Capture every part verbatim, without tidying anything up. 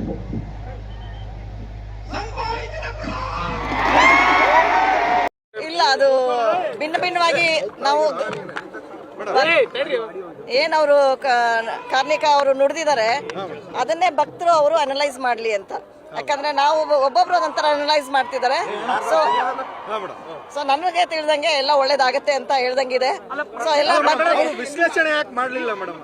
ಇಲ್ಲ, ಅದು ಭಿನ್ನ ಭಿನ್ನವಾಗಿ ನಾವು ಏನವರು ಕಾರ್ಣಿಕ ಅವರು ನುಡಿದಿದ್ದಾರೆ ಅದನ್ನೇ ಭಕ್ತರು ಅವರು ಅನಲೈಸ್ ಮಾಡ್ಲಿ ಅಂತ. ಯಾಕಂದ್ರೆ ನಾವು ಒಬ್ಬೊಬ್ರು ಒಂದೊಂಥರ ಅನಲೈಸ್ ಮಾಡ್ತಿದ್ದಾರೆ. ಸೊ ಸೊ ನನಗೆ ತಿಳಿದಂಗೆ ಎಲ್ಲ ಒಳ್ಳೇದಾಗತ್ತೆ ಅಂತ ಹೇಳ್ದಂಗಿದೆ. ಸೊ ಎಲ್ಲ ವಿಶ್ಲೇಷಣೆ ಯಾಕೆ ಮಾಡಲಿಲ್ಲ ಮೇಡಮ್?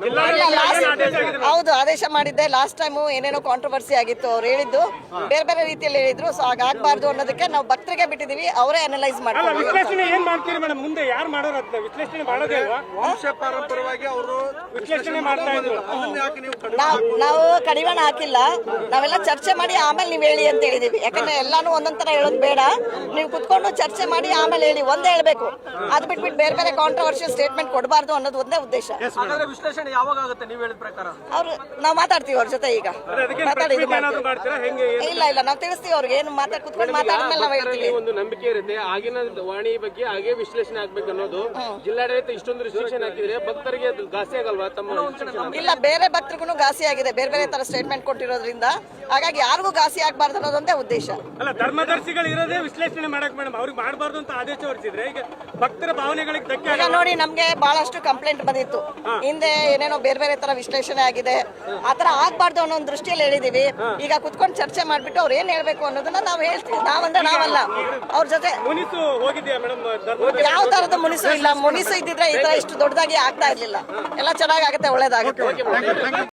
ಹೌದು, ಆದೇಶ ಮಾಡಿದ್ದೆ. ಲಾಸ್ಟ್ ಟೈಮು ಏನೇನೋ ಕಾಂಟ್ರವರ್ಸಿ ಆಗಿತ್ತು, ಅವ್ರು ಹೇಳಿದ್ದು ಬೇರೆ ಬೇರೆ ರೀತಿಯಲ್ಲಿ ಹೇಳಿದ್ರು. ಸೊ ಹಾಗಾಗಬಾರ್ದು ಅನ್ನೋದಕ್ಕೆ ನಾವು ಭಕ್ತರಿಗೆ ಬಿಟ್ಟಿದೀವಿ, ಅವರೇ ಅನಲೈಸ್ ಮಾಡ್ತಾರೆ. ವಿಶ್ಲೇಷಣೆ ಏನ್ ಮಾಡ್ತೀರಿ ಮೇಡಮ್? ಮುಂದೆ ಯಾರು ಮಾಡೋರು ಅದನ್ನ ವಿಶ್ಲೇಷಣೆ ಮಾಡೋದೇ ಅಲ್ವಾ? ವಂಶ ಪಾರಂಪರ್ಯವಾಗಿ ಅವರು ವಿಶ್ಲೇಷಣೆ ಮಾಡ್ತಾ ಇದ್ರು. ನಾವು ಕಡಿವಾಣ ಹಾಕಿಲ್ಲ, ನಾವೆಲ್ಲ ಚರ್ಚೆ ಮಾಡಿ ಆಮೇಲೆ ನೀವು ಹೇಳಿ ಅಂತ ಹೇಳಿದೀವಿ. ಯಾಕಂದ್ರೆ ಎಲ್ಲಾನು ಒಂದೊಂದರ ಹೇಳೋದು ಬೇಡ, ನೀವು ಕುತ್ಕೊಂಡು ಚರ್ಚೆ ಮಾಡಿ ಆಮೇಲೆ ಹೇಳಿ, ಒಂದೇ ಹೇಳ್ಬೇಕು. ಅದು ಬಿಟ್ಬಿಟ್ಟು ಬೇರೆ ಬೇರೆ ಕಾಂಟ್ರವರ್ಷಿಯಲ್ ಸ್ಟೇಟ್ಮೆಂಟ್ ಕೊಡಬಾರ್ದು ಅನ್ನೋದು ಒಂದೇ ಉದ್ದೇಶ. ವಿಶ್ಲೇಷಣೆ ಯಾವಾಗ ಆಗುತ್ತೆ ನೀವು ಹೇಳಿದ ಪ್ರಕಾರ? ಅವ್ರು ನಾವು ಮಾತಾಡ್ತೀವಿ ಅವ್ರ ಜೊತೆ, ಈಗ ಮಾತಾಡಿ. ಇಲ್ಲ ಇಲ್ಲ, ನಾವು ತಿಳಿಸ್ತೀವಿ ಅವ್ರಿಗೆ, ಏನು ಮಾತಾಡ್ ಕುತ್ಕೊಂಡು ಮಾತಾಡಿದ್ಮೇಲೆ ನಾವು ಹೇಳ್ತೀವಿ. ಒಂದು ನಂಬಿಕೆ ಇರುತ್ತೆ ಆಗಿನ ವಾಣಿ ಬಗ್ಗೆ ಹಾಗೆ ವಿಶ್ಲೇಷಣೆ ಆಗ್ಬೇಕು ಅನ್ನೋದು. ಜಿಲ್ಲಾಡಳಿತ ಇಷ್ಟೊಂದು ರಿಸ್ಟ್ರಿಕ್ಷನ್ ಹಾಕಿದ್ರೆ ಭಕ್ತರಿಗೆ ಘಾಸಿ ಆಗಲ್ವಾ? ತಮ್ಮ ಇಲ್ಲ, ಬೇರೆ ಭಕ್ತರಿಗೂ ಘಾಸಿ ಆಗಿದೆ, ಬೇರೆ ಬೇರೆ ತರ ಸ್ಟೇಟ್ಮೆಂಟ್ ಕೊಟ್ಟಿರೋದ್ರಿಂದ. ಹಾಗಾಗಿ ಯಾರಿಗೂ ಘಾಸಿ ಆಗಬಾರ್ದು ಅನ್ನೋದೊಂದೇ ಉದ್ದೇಶ. ಅಲ್ಲ, ಧರ್ಮದರ್ಶಿಗಳು ಇರೋದೇ ವಿಶ್ಲೇಷಣೆ ಮಾಡಕ್ ಮೇಡಮ್, ಅವ್ರಿಗೆ ಮಾಡಬಾರ್ದು ಅಂತ ಆದೇಶ ಹೊರಡಿಸಿದ್ರೆ ಈಗ ಭಕ್ತರ ಭಾವನೆಗಳಿಗೆ ಧಕ್ಕೆ. ಈಗ ನೋಡಿ, ನಮ್ಗೆ ಬಹಳಷ್ಟು ಕಂಪ್ಲೇಂಟ್ ಬಂದಿತ್ತು, ಹಿಂದೆ ಏನೇನೋ ಬೇರೆ ಬೇರೆ ತರ ವಿಶ್ಲೇಷಣೆ ಆಗಿದೆ, ಆತರ ಆಗ್ಬಾರ್ದು ಅನ್ನೋ ಒಂದು ದೃಷ್ಟಿಯಲ್ಲಿ ಹೇಳಿದೀವಿ. ಈಗ ಕುತ್ಕೊಂಡು ಚರ್ಚೆ ಮಾಡ್ಬಿಟ್ಟು ಅವ್ರು ಏನ್ ಹೇಳ್ಬೇಕು ಅನ್ನೋದನ್ನ ನಾವು ಹೇಳ್ತೀವಿ. ನಾವಂದ್ರೆ ನಾವಲ್ಲ, ಅವ್ರ ಜೊತೆ. ಮುನಿಸು ಹೋಗಿದ್ಯಾ ಮೇಡಮ್? ಯಾವ ತರದ ಮುನಿಸು ಇಲ್ಲ. ಮುನಿಸು ಇದ್ದಿದ್ರೆ ಈ ತರ ಇಷ್ಟು ದೊಡ್ಡದಾಗಿ ಆಗ್ತಾ ಇರ್ಲಿಲ್ಲ. ಎಲ್ಲ ಚೆನ್ನಾಗಾಗತ್ತೆ, ಒಳ್ಳೇದಾಗುತ್ತೆ.